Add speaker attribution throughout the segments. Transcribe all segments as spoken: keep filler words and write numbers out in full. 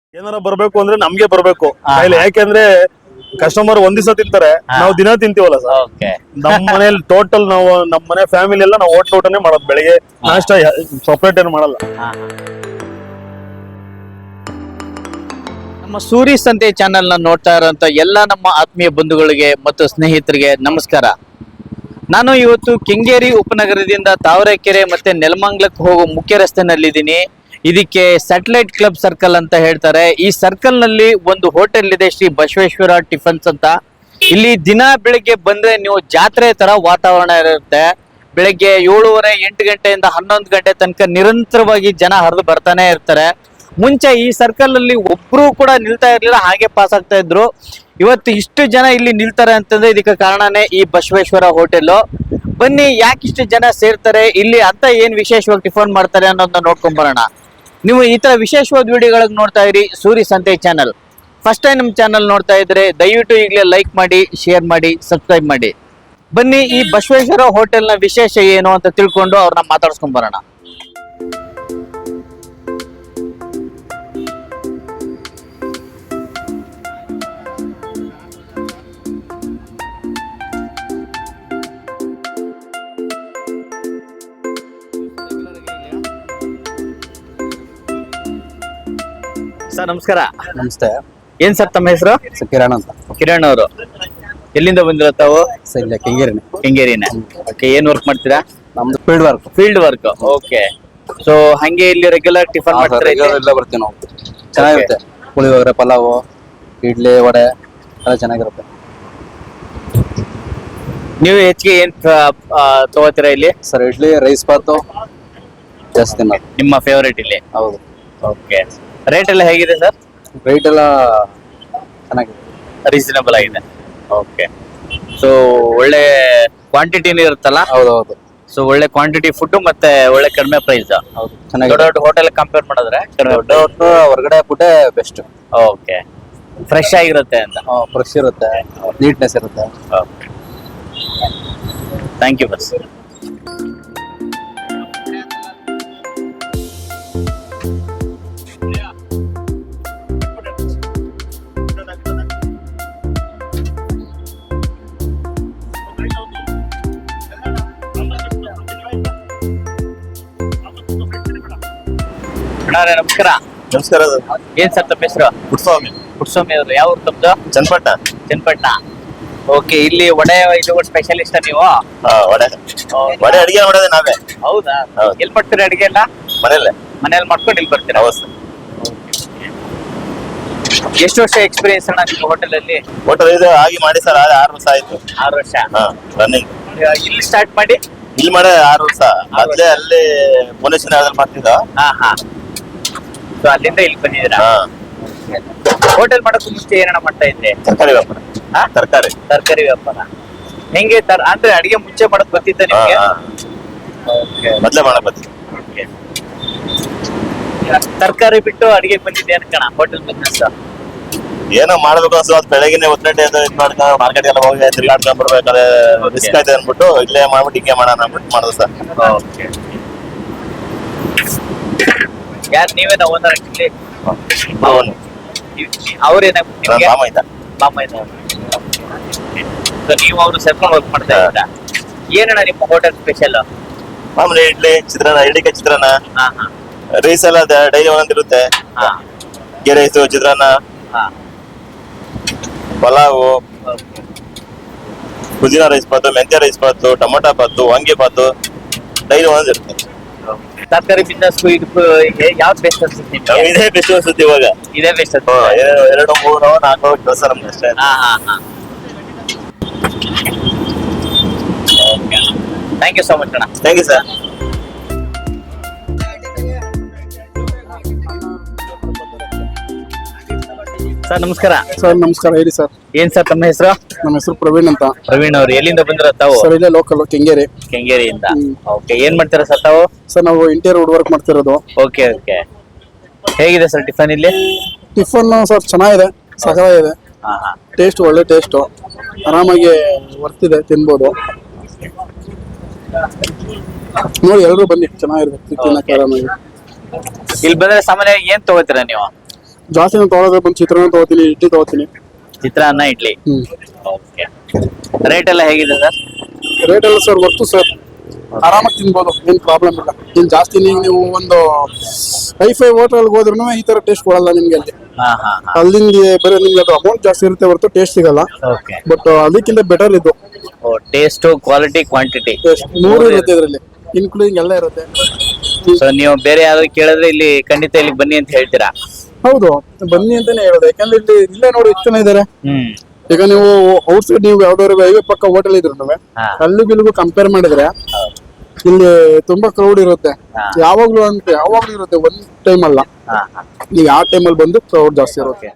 Speaker 1: ಏನಾರ ಬರ್ಬೇಕು ಅಂದ್ರೆ ನಮ್ಗೆ ಬರ್ಬೇಕು ಕೈಲಿ, ಯಾಕೆಂದ್ರೆ ಕಸ್ಟಮರ್ ಒಂದ್ ದಿವಸ ತಿಂತಾರೆ, ನಾವು ದಿನ ತಿಂತೀವಲ್ಲ ಸರ್. ನಮ್ಮ ಮನೇಲಿ ಟೋಟಲ್ ನಾವು ನಮ್ಮ ಮನೆ ಫ್ಯಾಮಿಲಿ ಎಲ್ಲ ನಾವು ಹೋಟ್ಲ್ ಊಟನೇ ಮಾಡೋದು, ಬೆಳಿಗ್ಗೆ ನಾಷ್ಟ ಸಪರೇಟ್ ಏನು ಮಾಡಲ್ಲ.
Speaker 2: ನಮ್ಮ ಸೂರಿ ಸಂತೆ ಚಾನೆಲ್ ನ ನೋಡ್ತಾ ಇರೋಂತ ಎಲ್ಲ ನಮ್ಮ ಆತ್ಮೀಯ ಬಂಧುಗಳಿಗೆ ಮತ್ತು ಸ್ನೇಹಿತರಿಗೆ ನಮಸ್ಕಾರ. ನಾನು ಇವತ್ತು ಕೆಂಗೇರಿ ಉಪನಗರದಿಂದ ತಾವರೆಕೆರೆ ಮತ್ತೆ ನೆಲಮಂಗಲಕ್ಕೆ ಹೋಗೋ ಮುಖ್ಯ ರಸ್ತೆನಲ್ಲಿದ್ದೀನಿ. ಇದಕ್ಕೆ ಸ್ಯಾಟಲೈಟ್ ಕ್ಲಬ್ ಸರ್ಕಲ್ ಅಂತ ಹೇಳ್ತಾರೆ. ಈ ಸರ್ಕಲ್ ನಲ್ಲಿ ಒಂದು ಹೋಟೆಲ್ ಇದೆ, ಶ್ರೀ ಬಸವೇಶ್ವರ ಟಿಫನ್ಸ್ ಅಂತ. ಇಲ್ಲಿ ದಿನ ಬೆಳಿಗ್ಗೆ ಬಂದ್ರೆ ನೀವು ಜಾತ್ರೆ ತರ ವಾತಾವರಣ ಇರುತ್ತೆ. ಬೆಳಿಗ್ಗೆ ಏಳುವರೆ ಎಂಟು ಗಂಟೆಯಿಂದ ಹನ್ನೊಂದು ಗಂಟೆ ತನಕ ನಿರಂತರವಾಗಿ ಜನ ಹರಿದು ಬರ್ತಾನೆ ಇರ್ತಾರೆ. ಮುಂಚೆ ಈ ಸರ್ಕಲ್ ಅಲ್ಲಿ ಒಬ್ರು ಕೂಡ ನಿಲ್ತಾ ಇರ್ಲಿಲ್ಲ, ಹಾಗೆ ಪಾಸ್ ಆಗ್ತಾ ಇದ್ರು. ಇವತ್ತು ಇಷ್ಟು ಜನ ಇಲ್ಲಿ ನಿಲ್ತಾರೆ ಅಂತಂದ್ರೆ ಇದಕ್ಕೆ ಕಾರಣನೇ ಈ ಬಸವೇಶ್ವರ ಹೋಟೆಲ್. ಬನ್ನಿ, ಯಾಕೆ ಇಷ್ಟು ಜನ ಸೇರ್ತಾರೆ ಇಲ್ಲಿ ಅಂತ, ಏನ್ ವಿಶೇಷವಾಗಿ ಟಿಫನ್ ಮಾಡ್ತಾರೆ ಅನ್ನೋದನ್ನ ನೋಡ್ಕೊಂಡ್ ಬರೋಣ. ನೀವು ಈ ತರ ವಿಶೇಷವಾದ ವಿಡಿಯೋಗಳಿಗೆ ನೋಡ್ತಾ ಇರಿ Suri Santhe channel. First time ನಮ್ಮ ಚಾನಲ್ ನೋಡ್ತಾ ಇದ್ರೆ ದಯವಿಟ್ಟು ಈಗಲೇ ಲೈಕ್ ಮಾಡಿ, ಶೇರ್ ಮಾಡಿ, ಸಬ್ಸ್ಕ್ರೈಬ್ ಮಾಡಿ. ಬನ್ನಿ, ಈ ಬಸವೇಶ್ವರ ಹೋಟೆಲ್ ನ ವಿಶೇಷ ಏನು ಅಂತ ತಿಳ್ಕೊಂಡು ಅವ್ರನ್ನ ಮಾತಾಡ್ಸ್ಕೊಂಡ್ ಬರೋಣ. ಸರ್ ನಮಸ್ಕಾರ.
Speaker 3: ನಮಸ್ತೆ.
Speaker 2: ಏನ್ ಸರ್ ತಮ್ಮ ಹೆಸರು?
Speaker 3: ಕಿರಣ್ ಅಂತ.
Speaker 2: ಕಿರಣ್ ಅವರು ಎಲ್ಲಿಂದ ಬಂದಿರೋ ತಾವು?
Speaker 3: ಸರ್ ಇಲ್ಲ, ಕೆಂಗೇರಿನೇ.
Speaker 2: ಕೆಂಗೇರಿನ. ಓಕೆ, ಏನ್ ವರ್ಕ್ ಮಾಡ್ತೀರಾ?
Speaker 3: ನಮ್ದು field work.
Speaker 2: Field work. Okay. So ಹಂಗೆ ಇಲ್ಲಿ ರೆಗ್ಯುಲರ್ ಟಿಫನ್ ಮಾಡ್ತಾರೆ?
Speaker 3: ಎಲ್ಲ ಬರ್ತೀವಿ ನಾವು. ಚೆನ್ನಾಗಿರುತ್ತೆ. ಪುಳಿಯೋಗರೆ, ಪಲಾವು, ಇಡ್ಲಿ, ವಡೆ ಎಲ್ಲ ಚೆನ್ನಾಗಿರುತ್ತೆ.
Speaker 2: ನೀವು ಹೆಚ್ಚಿಗೆ ಏನ್ ತಗೋತೀರಾ ಇಲ್ಲಿ?
Speaker 3: ಸರ್ ಇಡ್ಲಿ, ರೈಸ್ ಬಾತು ಜಾಸ್ತಿ ತಿನ್ನೋದು.
Speaker 2: ನಿಮ್ಮ ಫೇವರೇಟ್ ಇಲ್ಲಿ?
Speaker 3: ಹೌದು.
Speaker 2: ಓಕೆ. ರೇಟ್ ಎಲ್ಲ ಹೇಗಿದೆ ಸರ್?
Speaker 3: ರೇಟ್ ಎಲ್ಲ ಚೆನ್ನಾಗಿದೆ,
Speaker 2: ರೀಸನಬಲ್ ಆಗಿದೆ. ಓಕೆ. ಸೊ ಒಳ್ಳೆ ಕ್ವಾಂಟಿಟಿನೂ ಇರುತ್ತಲ್ಲ?
Speaker 3: ಹೌದು ಹೌದು.
Speaker 2: ಸೊ ಒಳ್ಳೆ ಕ್ವಾಂಟಿಟಿ ಫುಡ್ ಮತ್ತೆ ಒಳ್ಳೆ ಕಡಿಮೆ ಪ್ರೈಸ್.
Speaker 3: ಹೌದು,
Speaker 2: ದೊಡ್ಡ
Speaker 3: ಚೆನ್ನಾಗಿದೆ.
Speaker 2: ದೊಡ್ಡ ಹೋಟೆಲ್ ಕಂಪೇರ್ ಮಾಡಿದ್ರೆ
Speaker 3: ದೊಡ್ಡ ಹೊರಗಡೆ ಫುಡ್ಡೇ ಬೆಸ್ಟ್.
Speaker 2: ಓಕೆ. ಫ್ರೆಶ್ ಆಗಿರುತ್ತೆ ಅಂತ.
Speaker 3: ಫ್ರೆಶ್ ಇರುತ್ತೆ, ನೀಟ್ನೆಸ್ ಇರುತ್ತೆ.
Speaker 2: Thank you boss. ನಮಸ್ಕಾರ.
Speaker 1: ನಮಸ್ಕಾರ.
Speaker 2: ಏನ್ ಸರ್ ತಮ್ಮ ಹೆಸರು?
Speaker 1: ಪುಟ್ಸ್ವಾಮಿ.
Speaker 2: ಪುಟ್ಸ್ವಾಮಿ ಅವರು ಯಾವ ಊರು ತಮ್ಮದು?
Speaker 1: ಚನ್ನಪಟ್ಟಣ.
Speaker 2: ಚನ್ನಪಟ್ಟಣ. ಓಕೆ. ಇಲ್ಲಿ ವಡೆ ಇದು ಸ್ಪೆಷಲಿಸ್ಟ್ ನೀವು?
Speaker 1: ವಡೆ ವಡೆ ಅಡಿಗೆ ಮಾಡೋದೇ ನಾವೇ.
Speaker 2: ಹೌದಾ?
Speaker 1: ಹೌದು.
Speaker 2: ಎಲ್ಲಿ ಮಾಡ್ತೀರಾ ಅಡಿಗೆ ಎಲ್ಲ?
Speaker 1: ಮನೇಲೆ
Speaker 2: ಮನೇಲಿ ಮಾಡ್ಕೊಂಡು ಇಲ್ಲಿ ಬರ್ತೀರಾ?
Speaker 1: ಹೌದು.
Speaker 2: ಎಷ್ಟು ವರ್ಷ ಎಕ್ಸ್ಪೀರಿಯನ್ಸ್ ಅಣ್ಣ ನಿಮ್ಮ ಹೋಟೆಲ್ ಅಲ್ಲಿ?
Speaker 1: ಹೋಟೆಲ್ ಇದು ಆಗಿ ಮಾಡಿ ಸರ್ ಆರು ವರ್ಷ ಆಯ್ತು.
Speaker 2: ಆರು ವರ್ಷ.
Speaker 1: ಹಾ, ರನ್ನಿಂಗ್.
Speaker 2: ಇಲ್ಲಿ ಸ್ಟಾರ್ಟ್ ಮಾಡಿ
Speaker 1: ಇಲ್ಲಿ ಮಾಡೇ ಆರು ವರ್ಷ. ಮೊದ್ಲೇ ಅಲ್ಲಿ ಭುವನೇಶ್ವರ ಮಾಡ್ತಿದ್ದ.
Speaker 2: ಹಾ ಹಾ. ಸೊ ಅಲ್ಲಿಂದ ಇಲ್ಲಿ ಬಂದಿದ್ದೀರಾ?
Speaker 1: ಹಾ.
Speaker 2: ಹೋಟೆಲ್ ಮಾಡೋಕ್ಕೂ ಮುಂಚೆ ಏನಣ್ಣ ಮಾಡ್ತಾ ಇದ್ರಿ?
Speaker 1: ತರಕಾರಿ ವ್ಯಾಪಾರ.
Speaker 2: ಹಾ?
Speaker 1: ತರಕಾರಿ
Speaker 2: ತರಕಾರಿ ವ್ಯಾಪಾರ. ಹೆಂಗೆ ತರ ಅಂದ್ರೆ ಅಡಿಗೆ ಮುಂಚೆ ಮಾಡಕ್ ಗೊತ್ತಿತ್ತ ನಿಮ್ಗೆ?
Speaker 1: ಮೊದ್ಲೇ ಮಾಡಕ್ ಬರ್ತೀವಿ.
Speaker 2: ತರಕಾರಿ ಬಿಟ್ಟು ಅಡಿಗೆ ಬಂದಿದ್ದೆ ಅನ್ಕಣ ಹೋಟೆಲ್ ಬಿಸ್ನೆಸ್.
Speaker 1: ಏನೋ ಮಾಡ್ಬೇಕು ಅನ್ಸೋ ಅದು ಬೆಳಗ್ಗೆ ಒತ್ತಡ ಇದು ಇದು ಮಾಡ್ಕೊಂಡು ಮಾರ್ಕೆಟ್ ಎಲ್ಲ ಹೋಗಿ ತಿರ್ಗಾಡ್ಕೊಂಡ್ ಬರ್ಬೇಕಾದ್ರೆ ರಿಸ್ಕ್ ಆಯ್ತು ಅನ್ಬಿಟ್ಟು ಇಲ್ಲೇ ಮಾಡ್ಬಿಟ್ಟು ಹಿಂಗೆ ಮಾಡೋಣ ಅನ್ಬಿಟ್ಟು ಮಾಡೋದು ಸರ್.
Speaker 2: ಯಾರು ನೀವೇನ ಓನರ್ ಆಕ್ಚುಲಿ?
Speaker 1: ಅವನು
Speaker 2: ಅವ್ರೇನ
Speaker 1: ಮಾಮ ಇದ್ದ.
Speaker 2: ಮಾಮ ಇದ್ದ. ಸೊ ನೀವು ಅವರು ಸೇರ್ಕೊಂಡು ವರ್ಕ್ ಮಾಡ್ತಾ ಇದ್ದೀರಾ? ಏನಣ್ಣ ನಿಮ್ಮ ಹೋಟೆಲ್ ಸ್ಪೆಷಲ್?
Speaker 1: ಮಾಮೂಲಿ ಇಡ್ಲಿ, ಚಿತ್ರಾನ್ನ, ಇಡ್ಲಿಕ್ಕೆ ಚಿತ್ರಾನ್ನ,
Speaker 2: ಹಾ ಹಾ.
Speaker 1: ರೈಸ್ ಎಲ್ಲ ಡೈಲಿ ಒಂದೊಂದಿರುತ್ತೆ.
Speaker 2: ಹಾ
Speaker 1: ಗೀ ರೈಸು, ಚಿತ್ರಾನ್ನ,
Speaker 2: ಹಾ.
Speaker 1: ಪಲಾವು, ಪುದೀನ ರೈಸ್ ಬಾತು, ಮೆಂತ್ಯ ರೈಸ್ ಬಾತು, ಟೊಮೊಟೊ ಬಾತು, ವಾಂಗಿ ಬಾತು ಡೈಲಿ ಒಂದೊಂದಿರುತ್ತೆ.
Speaker 2: ತರಕಾರಿ ಬಿಸ್ನೆಸ್ ಇದಕ್ಕೂ ಯಾವ್ದು ಬೆಸ್ಟ್ ಅನ್ಸುತ್ತೆ ನಿಮ್ಗೆ?
Speaker 1: ಇದೇ ಬೆಸ್ಟ್ ಅನ್ಸುತ್ತೆ ಇವಾಗ.
Speaker 2: ಇದೇ ಬೆಸ್ಟ್
Speaker 1: ಹ್ಮ್,
Speaker 2: ಅನ್ಸುತ್ತೆ.
Speaker 1: ಎರಡು ಎರಡು ಮೂರು ನಾಲ್ಕು ಕೆಲಸ ನಮ್ಗೆ ಅಷ್ಟೇ.
Speaker 2: ಹಾ ಹಾ ಹಾ. ಥ್ಯಾಂಕ್ ಯು ಸೋ ಮಚ್ ಅಣ್ಣ.
Speaker 1: Thank you sir.
Speaker 2: ಸರ್ ನಮಸ್ಕಾರ.
Speaker 3: ಸರ್ ನಮಸ್ಕಾರ. ಹೇಳಿ ಸರ್.
Speaker 2: ಏನ್ ಸರ್ ತಮ್ಮ ಹೆಸರು?
Speaker 3: ನಮ್ಮ ಹೆಸರು ಪ್ರವೀಣ್ ಅಂತ.
Speaker 2: ಪ್ರವೀಣ್ ಅವ್ರು ಎಲ್ಲಿಂದ ಬಂದಿರೋ ತಾವು?
Speaker 3: ಸರ್ ಇಲ್ಲೇ ಲೋಕಲ್ ಕೆಂಗೇರಿ.
Speaker 2: ಕೆಂಗೇರಿಯಿಂದ. ಓಕೆ. ಏನ್ ಮಾಡ್ತೀರಾ ಸರ್ ತಾವು?
Speaker 3: ಸರ್ ನಾವು ಇಂಟೀರಿಯರ್ ವುಡ್ ವರ್ಕ್ ಮಾಡ್ತಿರೋದು.
Speaker 2: Okay okay. ಹೇಗಿದೆ ಸರ್ ಟಿಫನ್ ಇಲ್ಲಿ?
Speaker 3: ಟಿಫನ್ ಸರ್ ಚೆನ್ನಾಗಿದೆ, ಸಕಲಾಗಿದೆ.
Speaker 2: ಹಾ ಹಾ.
Speaker 3: ಟೇಸ್ಟ್ ಒಳ್ಳೆ ಟೇಸ್ಟ್, ಆರಾಮಾಗಿ ವರ್ತಿದೆ, ತಿನ್ಬೋದು. ನೋಡಿ ಎಲ್ಲರೂ ಬನ್ನಿ, ಚೆನ್ನಾಗಿರುತ್ತೆ ತಿನ್ನಕ್ಕೆ ಆರಾಮಾಗಿ.
Speaker 2: ಇಲ್ಲಿ ಬಂದ್ರೆ ಸಾಮಾನ್ಯವಾಗಿ ಏನ್ ತಗೋತೀರಾ ನೀವು?
Speaker 4: ಜಾಸ್ತಿ ನಾನು ತೊಗೊಳೋದ್ರೆ ಬಂದು ಚಿತ್ರಾನ್ನ ತೊಗೋತೀನಿ, ಇಡ್ಲಿ ತೊಗೋತೀನಿ.
Speaker 2: ಚಿತ್ರಾನ್ನ ಇಡ್ಲಿ.
Speaker 4: ಹ್ಮ್
Speaker 2: ಓಕೆ. ರೇಟ್ ಎಲ್ಲ ಹೇಗಿದೆ ಸರ್?
Speaker 4: ರೇಟ್ ಎಲ್ಲ ಸರ್ ವರ್ತು ಸರ್, ಆರಾಮಾಗಿ ತಿನ್ಬೋದು, ಏನ್ ಪ್ರಾಬ್ಲಮ್ ಇಲ್ಲ. ಇನ್ ಜಾಸ್ತಿ ನೀವು ನೀವು ಒಂದು ಐ ಫೈ ಹೋಟೆಲ್ಗೆ ಹೋದ್ರೂ ಈ ತರ ಟೇಸ್ಟ್ ಕೊಡಲ್ಲ ನಿಮ್ಗೆ. ಅಲ್ಲಿ
Speaker 2: ಹಾ ಹಾ ಹಾ.
Speaker 4: ಅಲ್ಲಿಂದ ಬರೀ ನಿಮ್ಗೆ ಅದು ಅಮೌಂಟ್ ಜಾಸ್ತಿ ಇರುತ್ತೆ ಹೊರತು ಟೇಸ್ಟ್ ಸಿಗಲ್ಲ.
Speaker 2: ಓಕೆ.
Speaker 4: ಬಟ್ ಅದಕ್ಕಿಂತ ಬೆಟರ್ ಇದು.
Speaker 2: ಟೇಸ್ಟ್, ಕ್ವಾಲಿಟಿ, ಕ್ವಾಂಟಿಟಿ
Speaker 4: ಮೂರು ಇರುತ್ತೆ ಇದರಲ್ಲಿ, ಇನ್ಕ್ಲೂಡಿಂಗ್ ಎಲ್ಲ ಇರುತ್ತೆ.
Speaker 2: ಸೊ ನೀವು ಬೇರೆ ಯಾರು ಕೇಳಿದ್ರೆ ಇಲ್ಲಿ ಖಂಡಿತ ಇಲ್ಲಿ ಬನ್ನಿ ಅಂತ ಹೇಳ್ತೀರಾ?
Speaker 4: ಹೌದು, ಬನ್ನಿ ಅಂತಾನೆ ಹೇಳೋದು. ಯಾಕಂದ್ರೆ ಇಲ್ಲಿ ಇಲ್ಲೇ ನೋಡಿ ಎಷ್ಟು ಜನ ಇದಾರೆ.
Speaker 2: ಹ್ಮ್.
Speaker 4: ಈಗ ನೀವು ಔಟ್ ಸೈಡ್ ನೀವು ಯಾವ್ದಾದ್ರು ಹೈವೇ ಪಕ್ಕ ಹೋಟೆಲ್ ಇದ್ರು
Speaker 2: ಹಾ.
Speaker 4: ಅಲ್ಲಿಗೂ ಇಲ್ಲಿಗೂ ಕಂಪೇರ್ ಮಾಡಿದ್ರೆ ಇಲ್ಲಿ ತುಂಬಾ ಕ್ರೌಡ್ ಇರುತ್ತೆ.
Speaker 2: ಹಾ.
Speaker 4: ಯಾವಾಗ್ಲೂ ಅಂತ ಯಾವಾಗ್ಲೂ ಇರುತ್ತೆ, ಒಂದ್ ಟೈಮ್ ಅಲ್ಲ.
Speaker 2: ಹಾ ಹಾ.
Speaker 4: ನೀವು ಯಾವ ಟೈಮಲ್ಲಿ ಬಂದು ಕ್ರೌಡ್ ಜಾಸ್ತಿ ಇರುತ್ತೆ.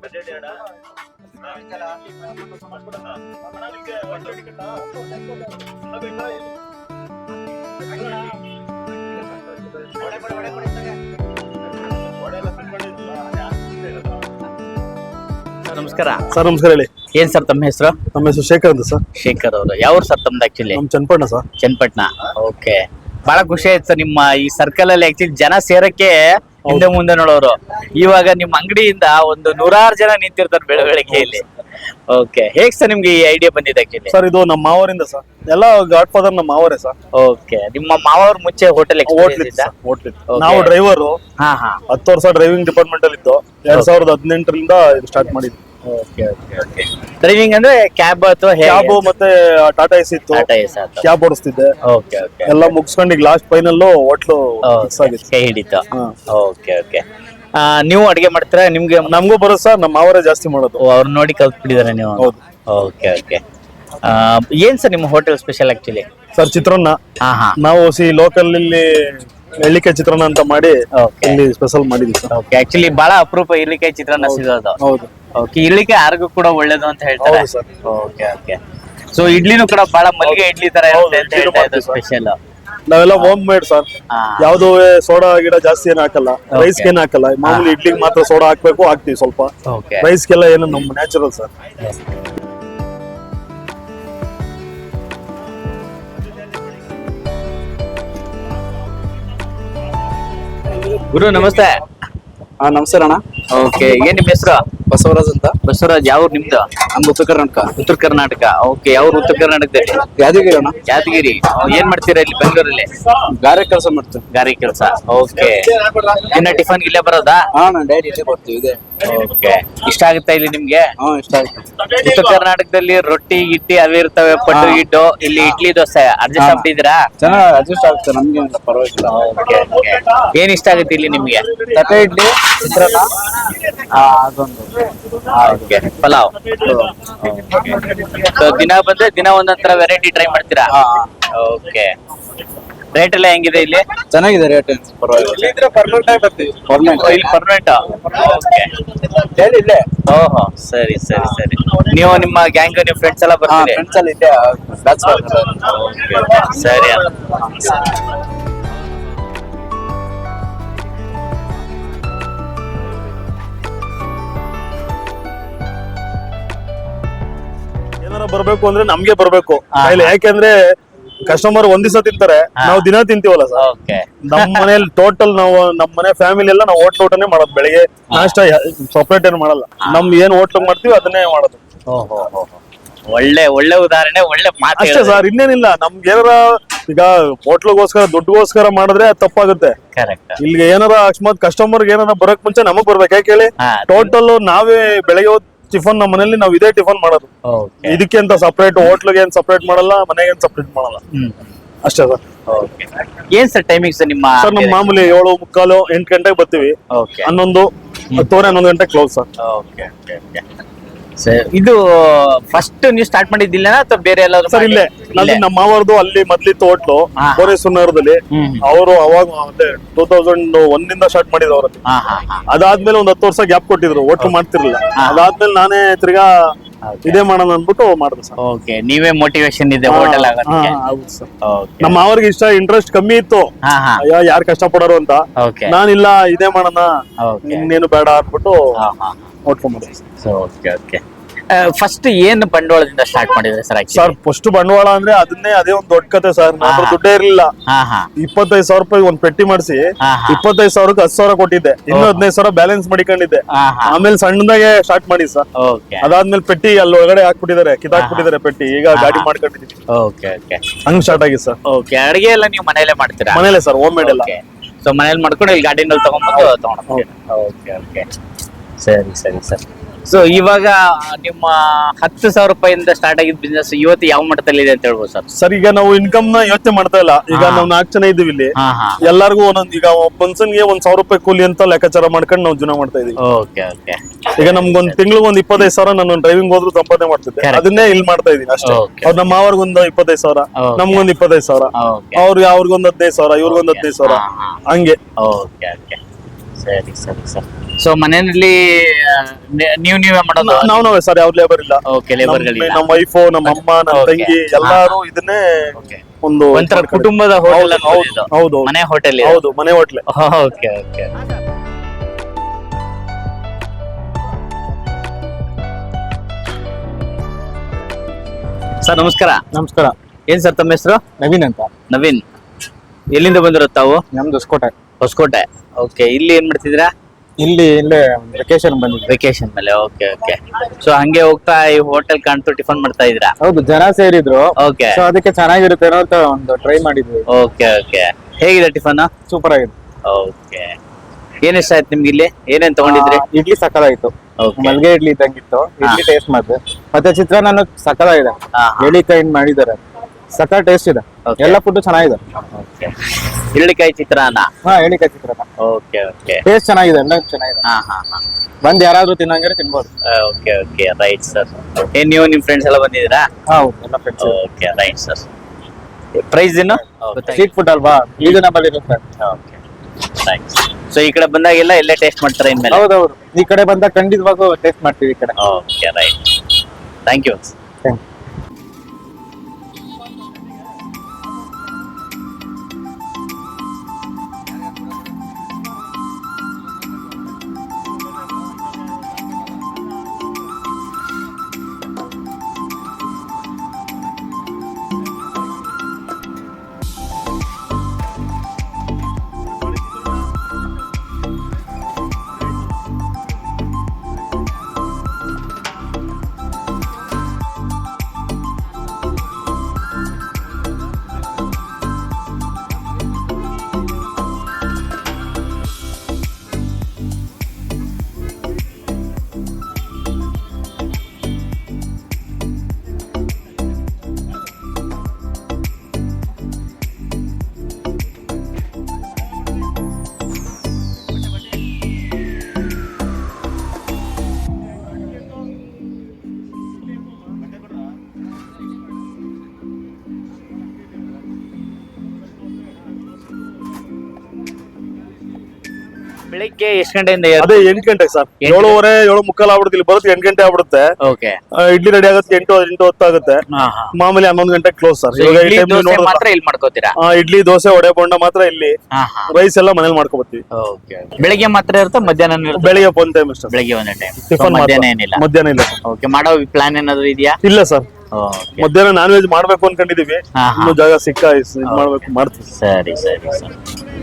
Speaker 2: ನಮಸ್ಕಾರ
Speaker 1: ಸರ್. ನಮಸ್ಕಾರ ಹೇಳಿ.
Speaker 2: ಏನ್ ಸರ್ ತಮ್ಮ ಹೆಸರು?
Speaker 1: ನಮ್ಮ ಹೆಸರು ಶೇಖರ್ ಅಂತ ಸರ್.
Speaker 2: ಶೇಖರ್ ಅವರು ಯಾವ ಸರ್ ತಮ್ದು ಆಕ್ಚುಲಿ?
Speaker 1: ನಮ್ ಚನ್ನಪಟ್ಟಣ ಸರ್.
Speaker 2: ಚನ್ನಪಟ್ಟಣ. ಓಕೆ. ಬಹಳ ಖುಷಿ ಆಯ್ತು ಸರ್ ನಿಮ್ಮ ಈ ಸರ್ಕಲ್ ಅಲ್ಲಿ ಆಕ್ಚುಲಿ ಜನ ಸೇರಕ್ಕೆ ಹಿಂದೆ ಮುಂದೆ ನೋಡೋರು. ಇವಾಗ ನಿಮ್ಮ ಅಂಗಡಿಯಿಂದ ಒಂದು ನೂರಾರು ಜನ ನಿಂತಿರ್ತಾರೆ ಬೆಳ ಬೆಳಗ್ಗೆ ಇಲ್ಲಿ. ಓಕೆ. ಹೇಗ್ ಸರ್ ನಿಮ್ಗೆ ಈ ಐಡಿಯಾ ಬಂದಿದೆ ಆಕ್ಚುಲಿ?
Speaker 1: ಸರ್ ಇದು ನಮ್ಮ ಮಾವರಿಂದ ಸರ್, ಎಲ್ಲ ಗಾಡ್ ಫಾದರ್ ನಮ್ಮ ಮಾವರೇ ಸರ್.
Speaker 2: ಓಕೆ. ನಿಮ್ಮ ಮಾವವ್ರ ಮುಂಚೆ ಹೋಟೆಲ್
Speaker 1: ಹೋಟ್ಲ್ ಹೋಟ್ಲ್ ನಾವು ಡ್ರೈವರು.
Speaker 2: ಹಾ ಹಾ.
Speaker 1: ಹತ್ತು ವರ್ಷ ಡ್ರೈವಿಂಗ್ ಡಿಪಾರ್ಟ್ಮೆಂಟ್ ಅಲ್ಲಿ ಇದ್ದು ಎರಡ್ ಸಾವಿರದ ಹದಿನೆಂಟರಿಂದ ಇದು ಸ್ಟಾರ್ಟ್ ಮಾಡಿದ್ವಿ.
Speaker 2: Okay okay okay. ಡ್ರೈವಿಂಗ್ ಅಂದ್ರೆ ಕ್ಯಾಬ್ ಅಥವಾ
Speaker 1: ಕ್ಯಾಬ್ ಮತ್ತೆ ಟಾಟಾ ಎಸ್ ಇತ್ತು,
Speaker 2: ಟಾಟಾ ಎಸ್ ಆಯ್ತು.
Speaker 1: ಕ್ಯಾಬ್ ಓಡಿಸ್ತಿದ್ದೆ.
Speaker 2: Okay okay.
Speaker 1: ಎಲ್ಲ ಮುಗಿಸ್ಕೊಂಡು ಈಗ ಲಾಸ್ಟ್ ಫೈನಲ್ ಹೋಟ್ಲು ಫಿಕ್ಸ್ ಆಗಿತ್ತು.
Speaker 2: ಕೈ ಹಿಡಿತು.
Speaker 1: ಹಾ.
Speaker 2: Okay okay. ನೀವು ಅಡಿಗೆ ಮಾಡ್ತೀರಾ? ನಿಮ್ಗೆ
Speaker 1: ನಮಗೂ ಬರುತ್ತೆ ಸರ್, ನಮ್ಮ ಮಾವರೇ ಜಾಸ್ತಿ ಮಾಡೋದು.
Speaker 2: ಅವ್ರು ನೋಡಿ ಕಲ್ತ್ಬಿಟ್ಟಿದ್ದಾರೆ ನೀವು?
Speaker 1: ಹೌದು.
Speaker 2: Okay okay. ಏನ್ ಸರ್ ನಿಮ್ಮ ಹೋಟೆಲ್ ಸ್ಪೆಷಲ್ ಆಕ್ಚುಲಿ?
Speaker 1: ಸರ್ ಚಿತ್ರಾನ್ನ
Speaker 2: ಹಾ ಹಾ.
Speaker 1: ನಾವು ಸಿ ಲೋಕಲ್ ಇಲ್ಲಿ ಎಳ್ಳಿಕಾಯಿ ಚಿತ್ರಾನ್ನ ಅಂತ ಮಾಡಿ
Speaker 2: ಓಕೆ.
Speaker 1: ಇಲ್ಲಿ ಸ್ಪೆಷಲ್ ಮಾಡಿದ್ವಿ ಸರ್.
Speaker 2: ಓಕೆ. ಆಕ್ಚುಲಿ ಬಹಳ ಅಪರೂಪ ಇರ್ಲಿಕಾಯಿ ಚಿತ್ರಾನ್ನ ಸಿಗೋದು.
Speaker 1: ಹೌದು.
Speaker 2: ಓಕೆ. ಇರ್ಲಿಕಾಯಿ ಆರೋಗ್ಯ ಕೂಡ ಒಳ್ಳೇದು ಅಂತ ಹೇಳ್ತಾರೆ.
Speaker 1: ಹೌದು ಸರ್.
Speaker 2: Okay okay. ಸೊ ಇಡ್ಲಿನೂ ಕೂಡ ಬಹಳ ಮಲ್ಲಿಗೆ ಇಡ್ಲಿ ತರ
Speaker 1: ಹೌದು,
Speaker 2: ಇರುತ್ತೆ ಅಂತ
Speaker 1: ಇಡ್ಲಿನೂ
Speaker 2: ಹೇಳ್ತಾ ಇದ್ದಾರೆ
Speaker 1: ಮಾಡ್ತೀವಿ
Speaker 2: ಸ್ಪೆಷಲ್.
Speaker 1: ನಾವೆಲ್ಲ ಹೋಮ್ ಮೇಡ್ ಸರ್.
Speaker 2: ಹಾ.
Speaker 1: ಯಾವ್ದು ಸೋಡಾ ಗಿಡ ಜಾಸ್ತಿ ಏನ್ ಹಾಕಲ್ಲ, ರೈಸ್ ಏನ್ ಹಾಕಲ್ಲ. ಮಾಮೂಲಿ ಇಡ್ಲಿಗೆ ಮಾತ್ರ ಸೋಡಾ ಹಾಕ್ಬೇಕು, ಹಾಕ್ತಿವಿ ಸ್ವಲ್ಪ.
Speaker 2: ಓಕೆ.
Speaker 1: ರೈಸ್ಗೆಲ್ಲ ಏನು ನಮ್ಮ ನ್ಯಾಚುರಲ್ ಸರ್.
Speaker 2: ಗುರು ನಮಸ್ತೆ.
Speaker 3: ಹಾ ನಮಸ್ಕಾರ ಅಣ್ಣ.
Speaker 2: ಓಕೆ. ಏನ್ ನಿಮ್ಮ ಹೆಸರು?
Speaker 3: ಬಸವರಾಜ್ ಅಂತ.
Speaker 2: ಬಸವರಾಜ್. ಯಾವ ನಿಮ್ದು?
Speaker 3: ನಮ್ದು ಉತ್ತರ ಕರ್ನಾಟಕ.
Speaker 2: ಉತ್ತರ ಕರ್ನಾಟಕ. ಓಕೆ. ಯಾವ ಉತ್ತರ ಕರ್ನಾಟಕದಲ್ಲಿ?
Speaker 3: ಯಾದಗಿರಿ ಅಣ್ಣ.
Speaker 2: ಯಾದಗಿರಿ. ಏನ್ ಮಾಡ್ತೀರಾ ಇಲ್ಲಿ ಬೆಂಗಳೂರಲ್ಲಿ?
Speaker 3: ಗಾರೆ ಕೆಲಸ ಮಾಡ್ತೀವಿ.
Speaker 2: ಗಾರಿ ಕೆಲಸ. ಓಕೆ. ಇನ್ನ ಟಿಫನ್ ಇಲ್ಲೇ ಬರೋದಾ?
Speaker 3: ಹಾ ನಾನು ಡೈಲಿ ಇಲ್ಲೇ ಬರ್ತೀವಿ ಇದೆ.
Speaker 2: ಓಕೆ. ಇಷ್ಟ ಆಗುತ್ತಾ ಇಲ್ಲಿ ನಿಮ್ಗೆ?
Speaker 3: ಹಾ ಇಷ್ಟ ಆಯ್ತು.
Speaker 2: ಉತ್ತರ ಕರ್ನಾಟಕದಲ್ಲಿ ರೊಟ್ಟಿ ಗಿಟ್ಟಿ ಅವೇ ಇರ್ತವೆ, ಪಡ್ಡು ಗಿಡ್ಡು. ಇಲ್ಲಿ ಇಡ್ಲಿ ದೋಸೆ ಅಡ್ಜಸ್ಟ್ ಆಗ್ಬಿಟ್ಟಿದ್ದೀರಾ?
Speaker 3: ಚೆನ್ನಾಗಿ ಅಡ್ಜಸ್ಟ್ ಆಗುತ್ತೆ, ನಮ್ಗೆ ಪರವಾಗಿಲ್ಲ.
Speaker 2: ಓಕೆ. ಏನ್ ಇಷ್ಟ ಆಗುತ್ತೆ ಇಲ್ಲಿ ನಿಮ್ಗೆ?
Speaker 3: ತಟ್ಟೆ ಇಡ್ಲಿ, ಚಿತ್ರಾನ್ನ, ಆ, ಅದೊಂದು
Speaker 2: ಓಕೆ. ಪಲಾವ್. So, ದಿನ ಬಂದ್ರೆ ದಿನ ಒಂದೊಂದರ ವೆರೈಟಿ ಟ್ರೈ ಮಾಡ್ತೀರಾ? ಓಕೆ. ರೇಟ್ ಎಲ್ಲ ಹೆಂಗಿದೆ ಇಲ್ಲಿ?
Speaker 3: ಚೆನ್ನಾಗಿದೆ ರೇಟ್, ಪರವಾಗಿಲ್ಲ. ಪರ್ಮನೆಂಟ್ ಆಗಿ ಬರ್ತೀವಿ. ಪರ್ಮನೆಂಟ್
Speaker 2: ಇಲ್ಲಿ ಪರ್ಮನೆಂಟ್. ಓಕೆ.
Speaker 3: ಡೈಲಿ ಇಲ್ಲೇ.
Speaker 2: ಓಹೋ, ಸರಿ ಸರಿ ಸರಿ. ನೀವು ನಿಮ್ಮ ಗ್ಯಾಂಗ್ ನಿಮ್ಮ ಫ್ರೆಂಡ್ಸ್ ಎಲ್ಲ
Speaker 3: ಹಾ
Speaker 2: ಬರ್ತೀರಿ?
Speaker 3: ಫ್ರೆಂಡ್ಸ್ ಅಲ್ಲಿ ಇಲ್ಲೇ ಬ್ಯಾಚ್
Speaker 2: ಸರಿ.
Speaker 1: ಏನಾರ ಬರ್ಬೇಕು ಅಂದ್ರೆ ನಮ್ಗೆ ಬರ್ಬೇಕು
Speaker 2: ಹಾ.
Speaker 1: ಕೈಲಿ. ಯಾಕೆಂದ್ರೆ ಕಸ್ಟಮರ್ ಒಂದ್ ದಿವಸ ತಿಂತಾರೆ,
Speaker 2: ಹಾ.
Speaker 1: ನಾವು ದಿನ ತಿಂತೀವಲ್ಲ ಸರ್.
Speaker 2: ಓಕೆ.
Speaker 1: ನಮ್ಮ ಮನೇಲಿ ಟೋಟಲ್ ನಾವು ನಮ್ಮ ಮನೆ ಫ್ಯಾಮಿಲಿ ಎಲ್ಲ ನಾವು ಹೋಟ್ಲ್ ಊಟನೇ ಮಾಡೋದು. ಬೆಳಿಗ್ಗೆ ನಾಷ್ಟ ಸಪರೇಟ್ ಏನು ಮಾಡಲ್ಲ. ನಮ್ ಏನ್ ಹೋಟ್ಲ್ ಮಾಡ್ತೀವಿ ಅದನ್ನೇ ಮಾಡೋದು.
Speaker 2: ಓಹೋ. ಒಳ್ಳೆ ಒಳ್ಳೆ ಉದಾಹರಣೆ, ಒಳ್ಳೆ ಮಾತು.
Speaker 1: ಅಷ್ಟೇ ಸರ್, ಇನ್ನೇನಿಲ್ಲ. ನಮ್ಗೆ ಏನಾರ ಈಗ ಹೋಟ್ಲಿಗೋಸ್ಕರ ದುಡ್ಡುಗೋಸ್ಕರ ಮಾಡಿದ್ರೆ ಅದ್ ತಪ್ಪಾಗುತ್ತೆ.
Speaker 2: ಕರೆಕ್ಟ್.
Speaker 1: ಇಲ್ಲಿಗೆ ಏನಾರ ಅಕಸ್ಮಾತ್ ಕಸ್ಟಮರ್ ಏನಾರ ಬರಕ್ ಮುಂಚೆ ನಮಗ್ ಬರ್ಬೇಕು. ಯಾಕೆ ಹೇಳಿ,
Speaker 2: ಹಾ.
Speaker 1: ಟೋಟಲ್ ನಾವೇ ಬೆಳಗ್ಗೆ ಹೊತ್ತು ಟಿಫನ್ ನಮ್ಮ ಮನೇಲಿ ನಾವು ಇದೇ ಟಿಫನ್ ಮಾಡೋದು.
Speaker 2: ಓಕೆ.
Speaker 1: ಇದಕ್ಕೆ ಅಂತ ಸಪರೇಟ್ ಹೋಟ್ಲಿಗೆ ಏನ್ ಸಪರೇಟ್ ಮಾಡಲ್ಲ, ಮನೆಗೆ ಏನ್ ಸಪರೇಟ್ ಮಾಡಲ್ಲ.
Speaker 2: ಹ್ಮ್.
Speaker 1: ಅಷ್ಟೇ ಸರ್.
Speaker 2: ಓಕೆ. ಏನ್ ಸರ್ ಟೈಮಿಂಗ್ಸ್ ನಿಮ್ಮ?
Speaker 1: ಸರ್ ನಮ್ ಮಾಮೂಲಿ ಏಳು ಮುಕ್ಕಾಲು ಎಂಟು ಗಂಟೆಗೆ ಬರ್ತೀವಿ.
Speaker 2: ಓಕೆ.
Speaker 1: ಹನ್ನೊಂದು ಹತ್ತುವರೆ ಹನ್ನೊಂದು ಗಂಟೆ close sir.
Speaker 2: Okay okay okay. Sir ಇದು ಫಸ್ಟ್ ನೀವು ಸ್ಟಾರ್ಟ್ ಮಾಡಿದ್ದಿಲ್ಲ ಅಥವಾ ಬೇರೆ ಎಲ್ಲಾದ್ರೂ?
Speaker 1: ಸರ್ ಇಲ್ಲೇ ನಲ್ಲಿ ನಮ್ಮ ಮಾವರ್ದು ಅಲ್ಲಿ ಮೊದ್ಲಿತ್ತು ಹೋಟ್ಲು
Speaker 2: ಹಾ.
Speaker 1: ಬೋರೆ ಸುನ್ನೂರದಲ್ಲಿ.
Speaker 2: ಹ್ಮ್.
Speaker 1: ಅವರು ಅವಾಗ ಅದೇ ಟೂ ತೌಸಂಡ್ ಒನ್ ಇಂದ ಸ್ಟಾರ್ಟ್ ಮಾಡಿದ್ರು ಅವರಲ್ಲಿ.
Speaker 2: ಹಾ ಹಾ ಹಾ.
Speaker 1: ಅದಾದ್ಮೇಲೆ ಒಂದ್ ಹತ್ತು ವರ್ಷ ಗ್ಯಾಪ್ ಕೊಟ್ಟಿದ್ರು, ಹೋಟ್ಲು ಮಾಡ್ತಿರ್ಲಿಲ್ಲ.
Speaker 2: ಹಾ.
Speaker 1: ಅದಾದ್ಮೇಲೆ ನಾನೇ ತಿರ್ಗಾ ಇದೇ ಮಾಡೋಣ ಅಂದ್ಬಿಟ್ಟು ಮಾಡಿದೆ ಸರ್.
Speaker 2: ಓಕೆ. ನೀವೇ ಮೋಟಿವೇಶನ್ ಇದೆ ಹೋಟೆಲ್ ಆಗೋದಕ್ಕೆ? ಓಕೆ.
Speaker 1: ನಮ್ಮ ಅವ್ರಿಗೆ ಇಷ್ಟ ಇಂಟ್ರೆಸ್ಟ್ ಕಮ್ಮಿ ಇತ್ತು.
Speaker 2: ಹಾ ಹಾ.
Speaker 1: ಅಯ್ಯೋ ಯಾರು ಕಷ್ಟ ಪಡೋರು ಅಂತ.
Speaker 2: ಓಕೆ.
Speaker 1: ನಾನಿಲ್ಲ ಇದೇ ಮಾಡೋಣ,
Speaker 2: ಓಕೆ.
Speaker 1: ಇನ್ನೇನು ಬೇಡ ಅಂದ್ಬಿಟ್ಟು
Speaker 2: ಹಾ ಹಾ.
Speaker 1: ಹೋಟ್ಲು ಮಾಡಿದೆ.
Speaker 2: So okay okay. ಫಸ್ಟ್ ಏನ್ ಬಂಡವಾಳದಿಂದ ಸ್ಟಾರ್ಟ್ ಮಾಡಿದ್ರೆ ಸರ್
Speaker 1: ಸರ್ ಫಸ್ಟ್ ಬಂಡವಾಳ ಅಂದ್ರೆ ಅದನ್ನೇ ಅದೇ ಒಂದ್ ದೊಡ್ಡ ಕತೆ ಸರ್. ನಮ್ಮ ದುಡ್ಡೇ ಇರ್ಲಿಲ್ಲ.
Speaker 2: ಹಾ ಹಾ
Speaker 1: ಇಪ್ಪತ್ತೈದು ಸಾವಿರ ರೂಪಾಯಿ ಒಂದ್ ಪೆಟ್ಟಿ ಮಾಡಿಸಿ
Speaker 2: ಹಾ, ಹಾ.
Speaker 1: ಇಪ್ಪತ್ತೈದು ಸಾವಿರಕ್ಕೆ ಹತ್ತು ಸಾವಿರ ಕೊಟ್ಟಿದ್ದೆ. ಇನ್ನು ಹದಿನೈದು ಸಾವಿರ ಬ್ಯಾಲೆನ್ಸ್ ಮಾಡಿಕೊಂಡಿದ್ದೆ.
Speaker 2: ಹಾ, ಹಾ.
Speaker 1: ಆಮೇಲೆ ಸಣ್ಣದಾಗೆ ಸ್ಟಾರ್ಟ್ ಮಾಡಿ ಸರ್.
Speaker 2: ಓಕೆ
Speaker 1: ಅದಾದ್ಮೇಲೆ ಪೆಟ್ಟಿ ಅಲ್ಲಿ ಒಳಗಡೆ ಹಾಕ್ಬಿಟ್ಟಿದ್ದಾರೆ, ಕಿತ್ತಾಕ್ಬಿಟ್ಟಿದ್ದಾರೆ ಪೆಟ್ಟಿ. ಈಗ ಗಾಡಿ ಮಾಡ್ಕೊಂಡಿದ್ದೀವಿ.
Speaker 2: ಓಕೆ ಓಕೆ
Speaker 1: ಹಂಗ್ ಸ್ಟಾರ್ಟ್ ಆಗಿದೆ ಸರ್.
Speaker 2: ಓಕೆ ಅಡಿಗೆ ಎಲ್ಲ ನೀವು ಮನೇಲೆ ಮಾಡ್ತೀರಾ?
Speaker 1: ಮನೇಲೆ ಸರ್, ಹೋಮ್ ಮೇಡ್ ಎಲ್ಲ.
Speaker 2: ಸೊ ಮನೇಲಿ ಮಾಡ್ಕೊಂಡು ಇಲ್ಲಿ ಗಾಡಿನಲ್ಲಿ ತಗೊಂಡ್ಬಂದು ತಗೊಂಡು ಓಕೆ ಓಕೆ ಸರಿ ಸರಿ ಸರ್. ಸೊ ಇವಾಗ ನಿಮ್ಮ ಹತ್ತು ಸಾವಿರ ರೂಪಾಯಿಂದ ಸ್ಟಾರ್ಟ್ ಆಗಿದ್ದ ಬಿಸ್ನೆಸ್ ಇವತ್ತು ಯಾವ ಮಟ್ಟದಲ್ಲಿ ಇದೆ ಅಂತ ಹೇಳ್ಬೋದು ಸರ್?
Speaker 1: ಸರ್ ಈಗ ನಾವು ಇನ್ಕಮ್ ನ ಯೋಚನೆ ಮಾಡ್ತಾ ಇಲ್ಲ. ಈಗ ನಾವು ನಾಲ್ಕು ಜನ ಇದೀವಿ ಇಲ್ಲಿ.
Speaker 2: ಹಾ ಹಾ
Speaker 1: ಎಲ್ಲಾರ್ಗು ಒಂದೊಂದ್, ಈಗ ಮನ್ಸನ್ಗೆ ಒಂದ್ ಸಾವಿರ ರೂಪಾಯಿ ಕೂಲಿ ಅಂತ ಲೆಕ್ಕಾಚಾರ ಮಾಡ್ಕೊಂಡು ನಾವು ಜೀವನ ಮಾಡ್ತಾ ಇದೀವಿ.
Speaker 2: ಓಕೆ ಓಕೆ
Speaker 1: ಈಗ ನಮ್ಗೊಂದ್ ತಿಂಗ್ಳಿಗೆ ಒಂದ್ ಇಪ್ಪತ್ತೈದು ಸಾವಿರ ನಾನು ಡ್ರೈವಿಂಗ್ ಹೋದ್ರು ಸಂಪಾದನೆ ಮಾಡ್ತಿದ್ದೆ.
Speaker 2: Correct.
Speaker 1: ಅದನ್ನೇ ಇಲ್ಲಿ ಮಾಡ್ತಾ ಇದೀನಿ ಅಷ್ಟೇ.
Speaker 2: Okay.
Speaker 1: ಅವ್ರ ನಮ್ಮ ಮಾವರ್ಗೊಂದು ಇಪ್ಪತ್ತೈದು ಸಾವಿರ,
Speaker 2: Okay.
Speaker 1: ನಮ್ಗೊಂದ್ ಇಪ್ಪತ್ತೈದು ಸಾವಿರ,
Speaker 2: ಓಕೆ
Speaker 1: ಅವ್ರಿಗೆ ಅವ್ರಿಗೊಂದ್ ಹದಿನೈದು ಸಾವಿರ, ಇವ್ರಿಗೊಂದ್ ಹದಿನೈದು ಸಾವಿರ,
Speaker 2: ಹಾ, ಹಾ.
Speaker 1: ಹಂಗೆ.
Speaker 2: ಓಕೆ ಓಕೆ ಸರಿ ಸರಿ ಸರ್. ಸೊ ಮನೆಯಲ್ಲಿ ನೀವು ನೀವೇ ಮಾಡೋದು?
Speaker 1: ನಾವ್ ನಾವೇ ಸರ್, ಯಾವ್ದು ಲೇಬರ್ ಇಲ್ಲ.
Speaker 2: ಓಕೆ ಲೇಬರ್
Speaker 1: ನಮ್ಮ ನಮ್ಮ ವೈಫು, ನಮ್ಮ ಅಮ್ಮ, ನಮ್ಮ
Speaker 2: Okay.
Speaker 1: ತಂಗಿ ಎಲ್ಲಾರು ಇದನ್ನೇ ಒಂದು
Speaker 2: ಒಂಥರ ಕುಟುಂಬದ ಹೋಟೆಲ್
Speaker 1: ಹೌದು ಹೌದು
Speaker 2: ಮನೆ ಹೋಟೆಲ್
Speaker 1: ಹೌದು, ಮನೆ ಹೋಟ್ಲೆ.
Speaker 2: ಓಕೆ ಓಕೆ ಸರ್ ನಮಸ್ಕಾರ.
Speaker 3: ನಮಸ್ಕಾರ.
Speaker 2: ಏನ್ ಸರ್ ತಮ್ಮ ಹೆಸರು?
Speaker 3: ನವೀನ್ ಅಂತ.
Speaker 2: ನವೀನ್, ಎಲ್ಲಿಂದ ಬಂದಿರೋ ತಾವು?
Speaker 3: ನಮ್ದು ಹೊಸಕೋಟೆ.
Speaker 2: ಹೊಸಕೋಟೆ. ಓಕೆ, ಇಲ್ಲಿ ಏನ್ ಮಾಡ್ತಿದ್ದೀರಾ?
Speaker 3: ಇಲ್ಲಿ ಇಲ್ಲೇ ವೆಕೇಶನ್ ಬಂದಿದ್ವಿ.
Speaker 2: ವೆಕೇಶನ್ ಮೇಲೆ. Okay okay. ಸೊ ಹಂಗೆ ಹೋಗ್ತಾ ಈ ಹೋಟೆಲ್ ಕಾಣ್ತು ಟಿಫನ್ ಮಾಡ್ತಾ ಇದ್ದೀರಾ?
Speaker 3: ಹೌದು, ಜನ ಸೇರಿದ್ರು.
Speaker 2: ಓಕೆ
Speaker 3: ಸೊ ಅದಕ್ಕೆ ಚೆನ್ನಾಗಿರುತ್ತೆ ಅಂತ ಒಂದು ಟ್ರೈ ಮಾಡಿದ್ವಿ.
Speaker 2: Okay okay. ಹೇಗಿದೆ ಟಿಫನ್?
Speaker 3: ಸೂಪರ್ ಆಗಿದೆ.
Speaker 2: ಓಕೆ. ಏನ್ ಇಷ್ಟ ಆಯ್ತು ನಿಮ್ಗೆ ಇಲ್ಲಿ? ಏನೇನ್ ತಗೊಂಡಿದ್ರಿ?
Speaker 3: ಆ, ಇಡ್ಲಿ ಸಕ್ಕದಾಯ್ತು.
Speaker 2: Okay.
Speaker 3: ಮಲ್ಗೆ ಇಡ್ಲಿ ಇದ್ದಂಗಿತ್ತು. ಇಡ್ಲಿ ಟೇಸ್ಟ್ ಮಾಡಿದೆ. ಮತ್ತೆ ಚಿತ್ರಾನ್ನ ಸಕ್ಕದಾಗಿದೆ.
Speaker 2: ಹಾ.
Speaker 3: ಎಳಿ ಕೈಯಿಂದ ಮಾಡಿದ್ದಾರೆ. ಸಕ್ಕ ಟೇಸ್ಟ್ ಇದೆ.
Speaker 2: Okay.
Speaker 3: ಎಲ್ಲ ಫುಡ್ ಚೆನ್ನಾಗಿದೆ.
Speaker 2: ಓಕೆ. ಇರಳಿಕಾಯಿ ಚಿತ್ರಾನ್ನ.
Speaker 3: ಹಾ, ಎಳಿಕಾಯಿ ಚಿತ್ರಾನ್ನ
Speaker 2: ಓಕೆ ಓಕೆ.
Speaker 3: ಟೇಸ್ಟ್ ಚೆನ್ನಾಗಿದೆ. ಎಲ್ಲ ಚೆನ್ನಾಗಿದೆ.
Speaker 2: ಹಾ ಹಾ ಹಾ.
Speaker 3: ಬಂದ್ ಯಾರಾದ್ರೂ ತಿನ್ನಂಗಾರೆ ತಿನ್ಬೋದು.
Speaker 2: Okay okay right sir. ಏನ್ ನೀವು ನಿಮ್ ಫ್ರೆಂಡ್ಸ್ ಎಲ್ಲ ಬಂದಿದ್ದೀರಾ?
Speaker 3: ಹೌದು, ಎಲ್ಲ friends.
Speaker 2: Okay right sir. Price ಏನು?
Speaker 3: ಸ್ಟ್ರೀಟ್ ಫುಡ್ ಅಲ್ವಾ, ರೀಸನಬಲ್ ಇರುತ್ತೆ.
Speaker 2: Okay thanks. ಸೊ ಈ ಕಡೆ ಬಂದಾಗೆಲ್ಲ ಎಲ್ಲೇ ಟೇಸ್ಟ್ ಮಾಡ್ತಾರೆ ಇನ್ಮೇಲೆ?
Speaker 3: ಹೌದೌದು, ಈ ಕಡೆ ಬಂದಾಗ ಖಂಡಿತವಾಗೂ ಟೇಸ್ಟ್ ಮಾಡ್ತೀವಿ ಈ ಕಡೆ.
Speaker 2: Okay right. Thank you.
Speaker 3: Thank you.
Speaker 2: ಬೆಳಿಗ್ಗೆ ಎಷ್ಟು ಗಂಟೆಯಿಂದ
Speaker 1: ಅದೇ ಎಂಟು ಗಂಟೆಗೆ ಸರ್.
Speaker 2: ಎಂಟು
Speaker 1: ಏಳುವರೆ ಏಳು ಮುಕ್ಕಾಲ್ ಆಗ್ಬಿಡುತ್ತೆ. ಇಲ್ಲಿ ಬರುತ್ತೆ ಎಂಟು ಗಂಟೆ ಆಗ್ಬಿಡುತ್ತೆ.
Speaker 2: ಓಕೆ.
Speaker 1: ಆ, ಇಡ್ಲಿ ರೆಡಿ ಆಗುತ್ತೆ ಎಂಟು ಎಂಟು ಹೊತ್ತಾಗುತ್ತೆ.
Speaker 2: ಹಾ ಹಾ.
Speaker 1: ಮಾಮೂಲಿ ಹನ್ನೊಂದು ಗಂಟೆ ಕ್ಲೋಸ್ ಸರ್. ಇವಾಗ ಈ
Speaker 2: ಇಡ್ಲಿ
Speaker 1: time
Speaker 2: ದೋಸೆ
Speaker 1: ನೋಡಿದ್ರೆ
Speaker 2: ಮಾತ್ರ ಇಲ್ಲಿ ಮಾಡ್ಕೋತೀರಾ?
Speaker 1: ಆ, ಇಡ್ಲಿ ದೋಸೆ ವಡೆ ಬೋಂಡ ಮಾತ್ರ ಇಲ್ಲಿ.
Speaker 2: ಹಾ ಹಾ.
Speaker 1: ರೈಸ್ ಎಲ್ಲ ಮನೇಲಿ ಮಾಡ್ಕೊಬರ್ತೀವಿ.
Speaker 2: ಓಕೆ. ಬೆಳಿಗ್ಗೆ ಮಾತ್ರ ಇರುತ್ತೆ, ಮಧ್ಯಾಹ್ನ ಇರುತ್ತೆ?
Speaker 1: ಬೆಳಿಗ್ಗೆ ಒಂದ್ ಟೈಮ್ ಅಷ್ಟೇ.
Speaker 2: ಬೆಳಿಗ್ಗೆ ಒಂದೇ ಟೈಮ್,
Speaker 1: ಟಿಫನ್
Speaker 2: ಮಧ್ಯಾಹ್ನ ಏನಿಲ್ಲ?
Speaker 1: ಮಧ್ಯಾಹ್ನ ಇಲ್ಲ ಸರ್.
Speaker 2: ಓಕೆ. ಮಾಡೋ ಪ್ಲಾನ್ ಏನಾದ್ರು ಇದೆಯಾ?
Speaker 1: ಇಲ್ಲ ಸರ್,
Speaker 2: ಓಕೆ.
Speaker 1: ಮಧ್ಯಾಹ್ನ ನಾನ್ ವೆಜ್ ಮಾಡ್ಬೇಕು ಅನ್ಕೊಂಡಿದೀವಿ.
Speaker 2: ಹಾ, ಹಾ.
Speaker 1: ಇನ್ನು ಜಾಗ ಸಿಕ್ಕ ಇದ್ ಮಾಡ್ಬೇಕು, ಮಾಡ್ತೀವಿ.
Speaker 2: ಸರಿ ಸರಿ ಸರ್.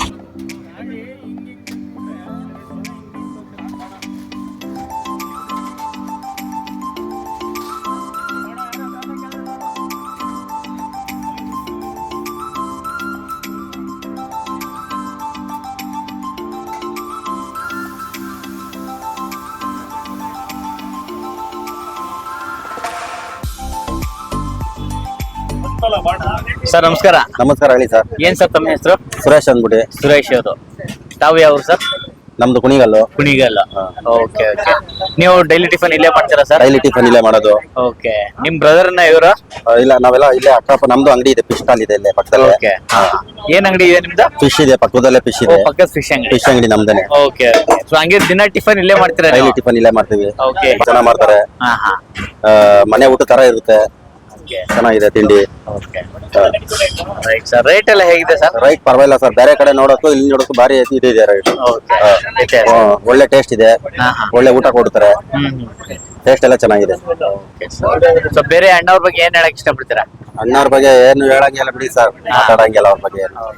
Speaker 2: ಸರ್ ನಮಸ್ಕಾರ.
Speaker 3: ನಮಸ್ಕಾರ, ಹೇಳಿ ಸರ್.
Speaker 2: ಏನ್ ಸರ್ ತಮ್ಮ ಹೆಸರು?
Speaker 3: ಸುರೇಶ್ ಅಂದ್ಬಿಡಿ.
Speaker 2: ಸುರೇಶ್ ಅವರು. ತಾವು ಯಾವ ಸರ್?
Speaker 3: ನಮ್ದು ಕುಣಿಗಲ್ಲು.
Speaker 2: ಕುಣಿಗಲ್ಲ. Okay okay. ನೀವು ಡೈಲಿ ಟಿಫನ್ ಇಲ್ಲೇ ಮಾಡ್ತೀರಾ ಸರ್?
Speaker 3: ಡೈಲಿ ಟಿಫನ್ ಇಲ್ಲೇ ಮಾಡೋದು.
Speaker 2: ಓಕೆ. ನಿಮ್ ಬ್ರದರ್ ನ ಇವರು?
Speaker 3: ಆ, ಇಲ್ಲ, ನಾವೆಲ್ಲ ಇಲ್ಲೇ ಅಕ್ಕಪ್ಪ. ನಮ್ದು ಅಂಗಡಿ ಇದೆ, ಫಿಶ್ ಸ್ಟಾಲ್ ಇದೆ ಇಲ್ಲೇ ಪಕ್ಕದಲ್ಲೇ.
Speaker 2: ಓಕೆ. ಏನ್ ಅಂಗಡಿ ಇದೆ ನಿಮ್ದು?
Speaker 3: ಫಿಶ್ ಇದೆ ಪಕ್ಕದಲ್ಲೇ, ಫಿಶ್
Speaker 2: ಓ,
Speaker 3: ಇದೆ.
Speaker 2: ಪಕ್ಕದ ಫಿಶ್ ಅಂಗಡಿ.
Speaker 3: ಫಿಶ್ ಅಂಗಡಿ ನಮ್ದೇನೆ.
Speaker 2: ಓಕೆ. ಸೊ ಹಂಗೆ ದಿನ ಟಿಫನ್ ಇಲ್ಲೇ ಮಾಡ್ತೀರಾ?
Speaker 3: ಡೈಲಿ ಟಿಫನ್ ಇಲ್ಲೇ ಮಾಡ್ತೀವಿ.
Speaker 2: ಓಕೆ.
Speaker 3: ಚೆನ್ನಾಗ್ ಮಾಡ್ತಾರೆ.
Speaker 2: ಹಾ ಹಾ.
Speaker 3: ಆ, ಮನೆ ಊಟ ತರ ಇರುತ್ತೆ.
Speaker 2: ಓಕೆ.
Speaker 3: ಚೆನ್ನಾಗಿದೆ ತಿಂಡಿ.
Speaker 2: ಓಕೆ. Right sir. ರೇಟ್ ಎಲ್ಲ ಹೇಗಿದೆ ಸರ್?
Speaker 3: ರೈಟ್ ಪರವಾಗಿಲ್ಲ ಸರ್. ಬೇರೆ ಕಡೆ ನೋಡೋಕ್ಕೂ ಇಲ್ಲಿ ನೋಡೋಕ್ಕೂ ಭಾರಿ ಇದಿದೆ ರೈಟ್.
Speaker 2: ಓಕೆ.
Speaker 3: ಒಳ್ಳೆ ಟೇಸ್ಟ್ ಇದೆ.
Speaker 2: ಹಾ ಹಾ.
Speaker 3: ಒಳ್ಳೆ ಊಟ ಕೊಡ್ತಾರೆ.
Speaker 2: ಹ್ಮ್ ಹ್ಮ್.
Speaker 3: ಟೇಸ್ಟ್ ಎಲ್ಲ ಚೆನ್ನಾಗಿದೆ.
Speaker 2: ಸೊ ಬೇರೆ ಅಣ್ಣವ್ರ ಬಗ್ಗೆ ಏನ್ ಹೇಳಕ್ ಇಷ್ಟಪಡ್ತೀರಾ?
Speaker 3: ಅಣ್ಣವ್ರ ಬಗ್ಗೆ ಏನು ಹೇಳಂಗಿಲ್ಲ ಬಿಡಿ ಸರ್, ಮಾತಾಡಂಗಿಲ್ಲ ಅವ್ರ ಬಗ್ಗೆ ಏನು.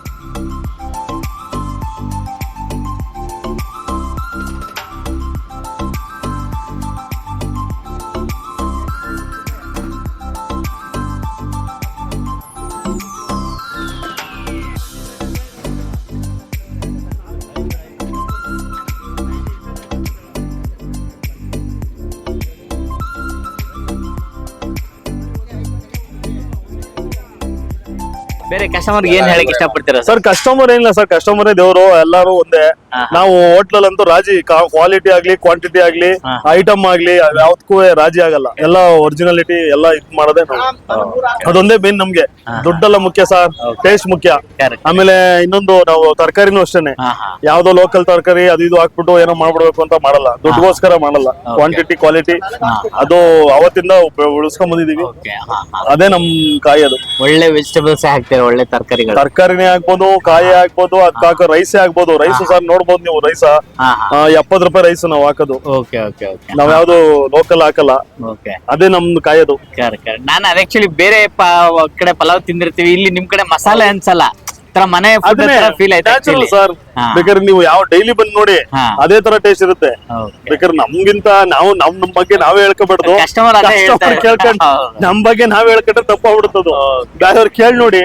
Speaker 2: ಬೇರೆ ಕಸ್ಟಮರ್ ಏನ್ ಹೇಳಕ್ ಇಷ್ಟಪಡ್ತೀರಾ ಸರ್?
Speaker 1: ಸರ್ ಕಸ್ಟಮರ್ ಏನಿಲ್ಲ ಸರ್, ಕಸ್ಟಮರೇ ದೇವರು, ಎಲ್ಲಾರು ಒಂದೇ. ನಾವು ಹೋಟ್ಲಲ್ ಅಂತೂ ರಾಜಿ, ಕ್ವಾಲಿಟಿ ಆಗ್ಲಿ ಕ್ವಾಂಟಿಟಿ ಆಗ್ಲಿ ಐಟಮ್ ಆಗ್ಲಿ ಯಾವ್ದಕ್ಕೂ ರಾಜಿ ಆಗಲ್ಲ. ಎಲ್ಲ ಒರಿಜಿನಾಲಿಟಿ ಎಲ್ಲ ಇದ್ ಮಾಡೋದೇ ನಾವು. ಅದೊಂದೇ ಮೇನ್ ನಮ್ಗೆ. ದುಡ್ಡೆಲ್ಲ ಮುಖ್ಯ ಸರ್, ಟೇಸ್ಟ್ ಮುಖ್ಯ. ಆಮೇಲೆ ಇನ್ನೊಂದು ನಾವು ತರಕಾರಿನೂ ಅಷ್ಟೇನೆ, ಯಾವ್ದೋ ಲೋಕಲ್ ತರಕಾರಿ ಅದು ಇದು ಹಾಕ್ಬಿಟ್ಟು ಏನೋ ಮಾಡ್ಬಿಡ್ಬೇಕು ಅಂತ ಮಾಡಲ್ಲ, ದುಡ್ಡುಗೋಸ್ಕರ ಮಾಡಲ್ಲ. ಕ್ವಾಂಟಿಟಿ ಕ್ವಾಲಿಟಿ ಅದು ಅವತ್ತಿಂದ ಉಳಿಸ್ಕೊಂಡ್ ಬಂದಿದೀವಿ. ಅದೇ ನಮ್ ಕಾಯಿ. ಅದು
Speaker 2: ಒಳ್ಳೆ ವೆಜಿಟೇಬಲ್ಸ್ ಹಾಕ್ತಾರೆ, ಒಳ್ಳೆ ತರಕಾರಿಗಳು,
Speaker 1: ತರಕಾರಿನೇ ಆಗ್ಬೋದು, ಕಾಯಿ ಆಗ್ಬೋದು, ಅದಕ್ಕೆ ಹಾಕೋ ರೈಸೇ ಆಗ್ಬೋದು. ರೈಸ್ ಸರ್ ನೋಡ್ಬೋದು ನೀವು, ರೈಸ ಎಪ್ಪತ್ ರೂಪಾಯಿ ರೈಸ್ ನಾವ್ ಹಾಕೋದು.
Speaker 2: ಓಕೆ ಓಕೆ ಓಕೆ
Speaker 1: ನಾವ್ ಯಾವ್ದು ಲೋಕಲ್ ಹಾಕಲ್ಲ.
Speaker 2: ಓಕೆ
Speaker 1: ಅದೇ ನಮ್ದು ಕಾಯೋದು.
Speaker 2: ನಾನು ಆಕ್ಚುಲಿ ಬೇರೆ ಪ- ಕಡೆ ಪಲಾವ್ ತಿಂದಿರ್ತೀವಿ, ಇಲ್ಲಿ ನಿಮ್ ಕಡೆ ಮಸಾಲೆ ಅನ್ಸಲ್ಲ, ತರ ಮನೆ ಫೀಲ್ ಆಯ್ತು
Speaker 1: ಸರ್. ಬೇಕಾದ್ರೆ ನೀವು ಯಾವ ಡೈಲಿ ಬಂದ್ ನೋಡಿ, ಅದೇ ತರ ಟೇಸ್ಟ್ ಇರುತ್ತೆ. ಬೇಕಾದ್ರೆ ನಮ್ಗಿಂತ ನಾವು ನಮ್ ನಮ್ ಬಗ್ಗೆ ನಾವೇ ಹೇಳ್ಕೊಬಾರ್ದು.
Speaker 2: ಕಸ್ಟಮರ್
Speaker 1: ಕೇಳ್ಕೊಂಡ್ ನಮ್ ಬಗ್ಗೆ ನಾವೇ ಹೇಳ್ಕೊಂಡ್ರೆ ತಪ್ಪಾಗ್ಬಿಡ್ತದು. ಬೇರೆಯವ್ರು ಕೇಳಿ ನೋಡಿ.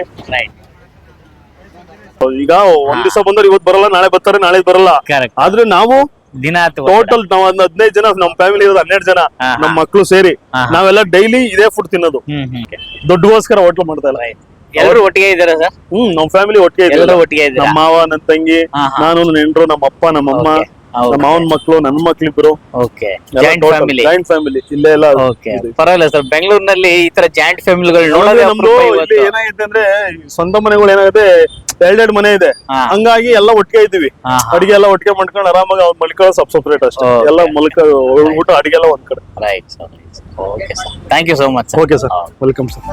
Speaker 1: ಈಗ ಒಂದ್ ದಿವಸ ಬಂದ್ರೆ ಇವತ್ತು ಬರಲ್ಲ, ನಾಳೆ ಬರ್ತಾರೆ, ನಾಳೆ ಬರಲ್ಲ. ಆದ್ರೆ ನಾವು
Speaker 2: ದಿನ
Speaker 1: ಟೋಟಲ್ ನಾವ್ ಒಂದ್ ಹದಿನೈದು ಜನ, ನಮ್ ಫ್ಯಾಮಿಲಿ ಇರೋದು ಹನ್ನೆರಡು ಜನ, ನಮ್ ಮಕ್ಳು ಸೇರಿ ನಾವೆಲ್ಲ ಡೈಲಿ ಇದೇ ಫುಡ್ ತಿನ್ನೋದು. ದುಡ್ಡುಗೋಸ್ಕರ ಹೋಟ್ಲು ಮಾಡ್ತಾ ಇಲ್ಲ.
Speaker 2: ಎಲ್ಲರೂ ಒಟ್ಟಿಗೆ ಇದಾರೆ ಸರ್?
Speaker 1: ಹ್ಮ್, ನಮ್ ಫ್ಯಾಮಿಲಿ ಒಟ್ಟಿಗೆ
Speaker 2: ಎಲ್ಲರೂ ಒಟ್ಟಿಗೆ ಇದ್ದಾರೆ.
Speaker 1: ನಮ್ಮ ಮಾವ, ನನ್ ತಂಗಿ, ನಾನು, ನನ್ನ ಹೆಂಡ್ರು, ನಮ್ಮ ಅಪ್ಪ, ನಮ್ಮಮ್ಮ, ನಮ್ಮ ಮಾವನ್ ಮಕ್ಳು, ನನ್ನ ಮಕ್ಳಿಬ್ರು.
Speaker 2: Okay, joint family.
Speaker 1: Joint family ಇಲ್ಲೇ ಎಲ್ಲ.
Speaker 2: ಓಕೆ, ಪರವಾಗಿಲ್ಲ ಸರ್. ಬೆಂಗಳೂರಿನಲ್ಲಿ ಈ ತರ ಜಾಯಿಂಟ್ ಫ್ಯಾಮಿಲಿಗಳು ನೋಡೋದೇ
Speaker 1: ನಮ್ದು ಇಲ್ಲಿ ಏನಾಗಿದೆ ಅಂದ್ರೆ, ಸ್ವಂತ ಮನೆಗಳು ಏನಾಗುತ್ತೆ, ಎರಡೆರಡು ಮನೆ ಇದೆ. ಹಂಗಾಗಿ ಎಲ್ಲ ಒಟ್ಟಿಗೆ ಇದ್ದೀವಿ. ಅಡಿಗೆ ಎಲ್ಲ ಒಟ್ಟಿಗೆ ಮಾಡ್ಕೊಂಡು ಆರಾಮಾಗಿ ಅವ್ರು ಮಲ್ಕೊಳ್ಳೋ ಸಬ್ ಸಪ್ರೇಟ್ ಅಷ್ಟೇ. ಎಲ್ಲ ಮಲ್ಕ ಊಟ ಅಡಿಗೆ ಎಲ್ಲ ಒಂದ್ ಕಡೆ.
Speaker 2: Right sir. Okay sir, thank you so much.
Speaker 1: Okay sir, welcome sir.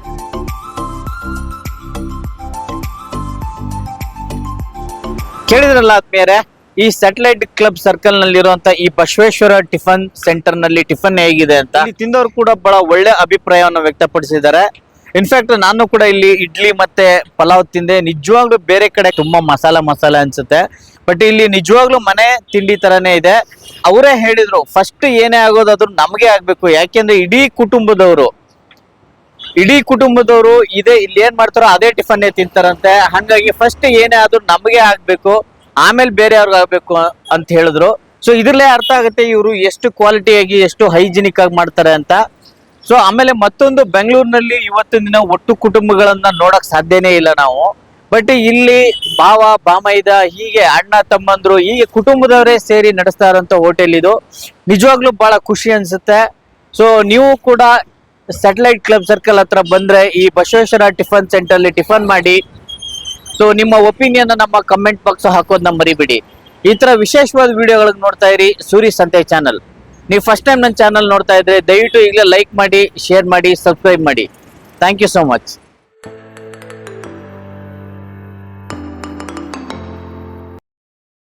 Speaker 2: ಕೇಳಿದ್ರಲ್ಲ ಆದ್ಮೇಲೆ, ಈ ಸ್ಯಾಟಲೈಟ್ ಕ್ಲಬ್ ಸರ್ಕಲ್ ನಲ್ಲಿರುವಂತ ಈ ಬಸವೇಶ್ವರ ಟಿಫನ್ ಸೆಂಟರ್ ನಲ್ಲಿ ಟಿಫನ್ ಹೇಗಿದೆ ಅಂತ ಇಲ್ಲಿ ತಿಂದವರು ಕೂಡ ಬಹಳ ಒಳ್ಳೆ ಅಭಿಪ್ರಾಯವನ್ನು ವ್ಯಕ್ತಪಡಿಸಿದ್ದಾರೆ. ಇನ್ಫ್ಯಾಕ್ಟ್ ನಾನು ಕೂಡ ಇಲ್ಲಿ ಇಡ್ಲಿ ಮತ್ತೆ ಪಲಾವ್ ತಿಂದೆ. ನಿಜವಾಗ್ಲೂ ಬೇರೆ ಕಡೆ ತುಂಬಾ ಮಸಾಲ ಮಸಾಲೆ ಅನ್ಸುತ್ತೆ, ಬಟ್ ಇಲ್ಲಿ ನಿಜವಾಗ್ಲೂ ಮನೆ ತಿಂಡಿ ತರನೇ ಇದೆ. ಅವರೇ ಹೇಳಿದ್ರು, ಫಸ್ಟ್ ಏನೇ ಆಗೋದಾದ್ರು ನಮಗೆ ಆಗ್ಬೇಕು, ಯಾಕೆಂದ್ರೆ ಇಡೀ ಕುಟುಂಬದವರು ಇಡೀ ಕುಟುಂಬದವರು ಇದೇ ಇಲ್ಲಿ ಏನ್ ಮಾಡ್ತಾರೋ ಅದೇ ಟಿಫನ್ ತಿಂತಾರಂತೆ. ಹಾಗಾಗಿ ಫಸ್ಟ್ ಏನೇ ಆದ್ರೂ ನಮಗೆ ಆಗ್ಬೇಕು, ಆಮೇಲೆ ಬೇರೆ ಅವ್ರಿಗೆ ಆಗ್ಬೇಕು ಅಂತ ಹೇಳಿದ್ರು. ಸೊ ಇದ್ರಲ್ಲೇ ಅರ್ಥ ಆಗುತ್ತೆ ಇವರು ಎಷ್ಟು ಕ್ವಾಲಿಟಿಯಾಗಿ, ಎಷ್ಟು ಹೈಜಿನಿಕ್ ಆಗಿ ಮಾಡ್ತಾರೆ ಅಂತ. ಸೊ ಆಮೇಲೆ ಮತ್ತೊಂದು, ಬೆಂಗಳೂರಿನಲ್ಲಿ ಇವತ್ತಿನ ದಿನ ಒಟ್ಟು ಕುಟುಂಬಗಳನ್ನ ನೋಡಕ್ ಸಾಧ್ಯನೇ ಇಲ್ಲ ನಾವು. ಬಟ್ ಇಲ್ಲಿ ಭಾವ, ಬಾಮೈದ, ಹೀಗೆ ಅಣ್ಣ ತಮ್ಮಂದ್ರು, ಹೀಗೆ ಕುಟುಂಬದವರೇ ಸೇರಿ ನಡೆಸ್ತಾ ಇರೋಂಥ ಹೋಟೆಲ್ ಇದು. ನಿಜವಾಗ್ಲೂ ಬಹಳ ಖುಷಿ ಅನ್ಸುತ್ತೆ. ಸೊ ನೀವು ಕೂಡ ಸ್ಯಾಟಲೈಟ್ ಕ್ಲಬ್ ಸರ್ಕಲ್ ಹತ್ರ ಬಂದ್ರೆ ಈ ಬಸವೇಶ್ವರ ಟಿಫನ್ ಸೆಂಟರ್ ಅಲ್ಲಿ ಟಿಫನ್ ಮಾಡಿ. ಸೊ ನಿಮ್ಮ ಒಪಿನಿಯನ್ ನಮ್ಮ ಕಮೆಂಟ್ ಬಾಕ್ಸ್ ಹಾಕೋದನ್ನ ಮರಿಬಿಡಿ. ಈ ತರ ವಿಶೇಷವಾದ ವಿಡಿಯೋಗಳಿಗೆ ನೋಡ್ತಾ ಇರಿ ಸೂರಿ ಸಂತೆ ಚಾನಲ್. ನೀವು ಫಸ್ಟ್ ಟೈಮ್ ನನ್ನ ಚಾನಲ್ ನೋಡ್ತಾ ಇದ್ರೆ ದಯವಿಟ್ಟು ಈಗಲೇ ಲೈಕ್ ಮಾಡಿ, ಶೇರ್ ಮಾಡಿ, ಸಬ್ಸ್ಕ್ರೈಬ್ ಮಾಡಿ. Thank you so much.